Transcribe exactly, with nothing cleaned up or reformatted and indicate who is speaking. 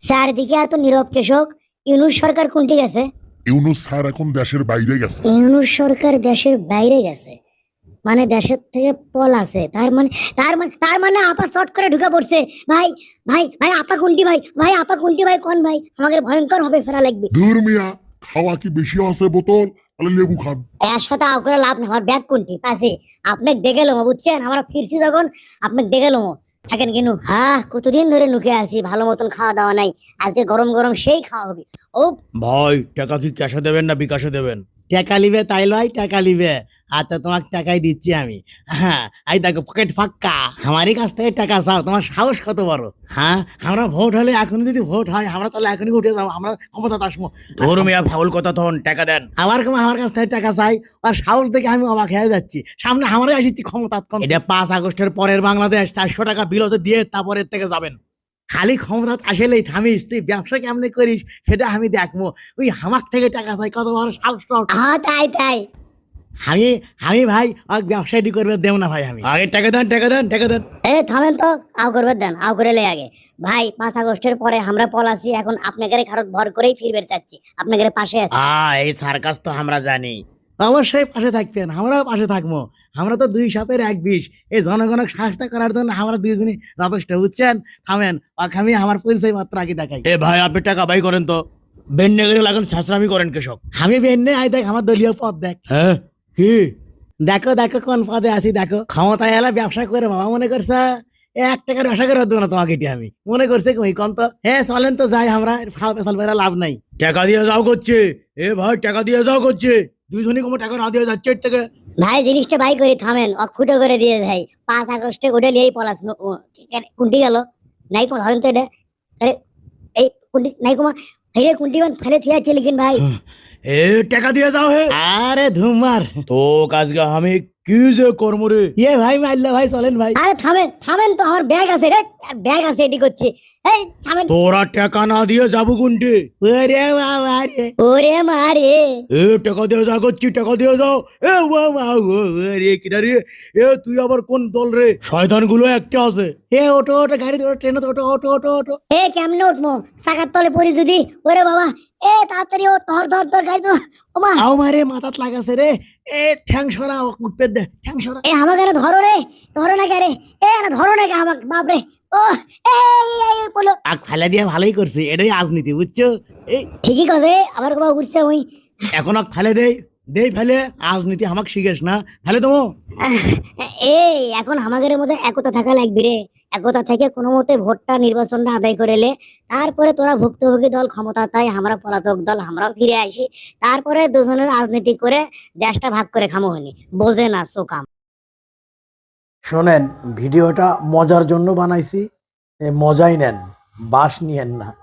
Speaker 1: চারদিকে এত নীরব কৃষক। ইউনূস সরকার কোনটি গেছে?
Speaker 2: ইউনূস স্যার এখন দেশের বাইরে গেছে।
Speaker 1: ইউনূস সরকার দেশের বাইরে গেছে মানে দেশের থেকে পল আছে, তার মানে তার মানে তার মানে আপা শর্ট করে ঢুকে পড়ছে। ভাই ভাই ভাই আপা কোনটি ভাই ভাই আপা কোনটি ভাই কোন ভাই, আমাদের ভয়ঙ্কর ভাবে ফেরা লাগবে।
Speaker 2: দূর মিয়া, খাওয়া কি বেশি আছে বোতল? তাহলে লেবু খান।
Speaker 1: এর সাথে আও করে লাভ নেই, আমার ব্যাগ কোনটি পাশে আপনাকে দেখে লোমো বুঝছেন, আমরা ফিরছি যখন আপনাকে দেখে লোমো থাকেন কিন্তু। হ্যাঁ কতদিন ধরে নুকে আছি, ভালো মতন খাওয়া দাওয়া নাই, আজকে গরম গরম সেই খাওয়া হবে। ও
Speaker 3: ভাই টাকা কি ক্যাশে দেবেন না বিকাশে দেবেন?
Speaker 4: টাকা লিবে তাই লয়, টাকা লিবে। আচ্ছা তোমাকে টাকাই দিচ্ছি আমি। হ্যাঁ এই দেখো পকেট ফাঁকা, আমারই কাছ থেকে টাকা চাও, তোমার সাহস কত বড়? হ্যাঁ আমরা ভোট হলে এখন যদি ভোট হয় আমরা তাহলে এখনই উঠে যাবো, আমরা ক্ষমতা আসবো।
Speaker 3: ধর মিয়া ফাউল কথা তখন টাকা দেন।
Speaker 4: আবার কেমন আমার কাছ থেকে টাকা চাই? আর সাহস দেখে আমি অবাক হয়ে যাচ্ছি, সামনে আমারই আসছি ক্ষমতা।
Speaker 3: এটা পাঁচ আগস্টের পরের বাংলাদেশ, চারশো টাকা বিল হচ্ছে দিয়ে তারপরের থেকে যাবেন।
Speaker 4: খালি ক্ষমতা আসলেই থামিস, তুই ব্যবসা কেমনে করিস সেটা আমি দেখবো। ওই হামাক থেকে টাকা চাই, কত বড় সাহস তোর?
Speaker 1: হ্যাঁ তাই তাই
Speaker 4: আমি আমি ভাই আর ব্যবসায়ী করবে দেব না ভাই আমি।
Speaker 3: আগে টাকা দেন টাকা দেন টাকা দেন।
Speaker 1: এ থামেন তো, আও করবে দেন, আও করে লে আগে। ভাই পাঁচ আগস্টের পরে আমরা পলাছি, এখন আপনাদের খারত ভর করেই ফিরবে চাচ্ছি, আপনাদের পাশে আছি।
Speaker 3: আ এই সার্কাস তো আমরা জানি।
Speaker 4: অবশ্যই পাশে থাকতেন, আমরাও পাশে থাকবো। আমরা তো দুই সাপের এক বিষ, এই জনগণক সাহায্য করার জন্য আমরা দুইজনই যথেষ্ট, বুঝছেন? থামেন, আমি আমার পরিচয় মাত্র আগে দেখাই।
Speaker 3: এ ভাই আপনি টাকা বাই করেন তো, বেন্নে গেলে লাগান শাসরামি করেন কৃষক।
Speaker 4: আমি বেন্নে আই দেখ, আমার দলীয় পদ দেখ।
Speaker 3: হ্যাঁ কি
Speaker 4: দেখো দেখো কোন পদে আছি দেখো। ক্ষমতায় এলা ব্যবসা করে বাবা মনে করছে এক টাকার ব্যবসা করে দেবো না তোমাকে, এটি আমি মনে করছে কই কন তো। হ্যাঁ চলেন তো যাই, আমরা ফাল পেশাল বেড়া লাভ নাই।
Speaker 3: টাকা দিয়ে যাও করছে। এ ভাই টাকা দিয়ে যাও করছে, দুইজনই কোনো টাকা না দিয়ে যাচ্ছে এর থেকে।
Speaker 1: ভাই জিনিসটা বাই করি, থামেন, অক ফুটো করে দিয়ে ভাই। পাঁচ আগস্টে ওটা লিয়েই পলাস কুন্টি গেল নাই কমা, ধরেন তো এটা। আরে এই কুন্টি নাই কমা, হেরে কুন্টি মান ফেলে থিয়া চলে কিন ভাই।
Speaker 3: এ টাকা দিয়ে যাও হে।
Speaker 4: আরে ধুমার
Speaker 3: তো কাজকে আমি কি যে কর্ম রে।
Speaker 4: ইয়ে ভাই মারলে ভাই, চলেন ভাই।
Speaker 1: আরে থামেন থামেন তো, আমার ব্যাগ আছে রে, ব্যাগ আছে এটি করছে। এই থামেন।
Speaker 3: তোরা টাকা না দিয়ে যাবো কোনটি?
Speaker 4: ওরে বাবা রে,
Speaker 1: ওরে মারে
Speaker 3: এ টাকা দিয়ে যা করছি, টাকা দিয়ে যাও। এ বাবা রে কিনা রে, এ তুই আবার কোন দল রে? শয়তান গুলো একটা আছে।
Speaker 4: এ ওটো ওটো গাড়ি ওটো ট্রেন ওটো ওটো ওটো ওটো।
Speaker 1: এ কেমনে উঠবো, চাকার তলে পড়ি যদি? ওরে বাবা, এ তাড়াতাড়ি ও, ধর ধর ধর গাড়ি তো। ওমা
Speaker 4: আও মারে মাথাত লাগাছে রে। এ ঠ্যাং সরা, উঠপে দে ঠ্যাং সরা।
Speaker 1: এ আমাকে না ধরো রে, ধরো না কে রে, এ না ধরো না কে আমাকে, বাপরে। ও এই এই বলো।
Speaker 4: আগ ফেলে দিয়ে ভালোই করছে, এটাই রাজনীতি বুঝছো? এই
Speaker 1: ঠিকই কথা, আবার কোথাও ঘুরছে ওই।
Speaker 4: এখন আগ ফেলে দেই দেই ফেলে, রাজনীতি আমাক শিখেস না ফেলে দেবো।
Speaker 1: এই এখন আমাদের মধ্যে একতা থাকা লাগবে রে, একতা থেকে কোনো মতে ভোটটা নির্বাচনটা আদায় করেলে তারপরে তোরা ভুক্তভোগী দল ক্ষমতা তাই, আমরা পলাতক দল আমরাও ফিরে আসি, তারপরে দুজনের রাজনীতি করে দেশটা ভাগ করে খামো হয়নি, বোঝে না সোকাম।
Speaker 5: শোনেন, ভিডিওটা মজার জন্য বানাইছি, এ মজাই নেন, বাস নিয়েন না।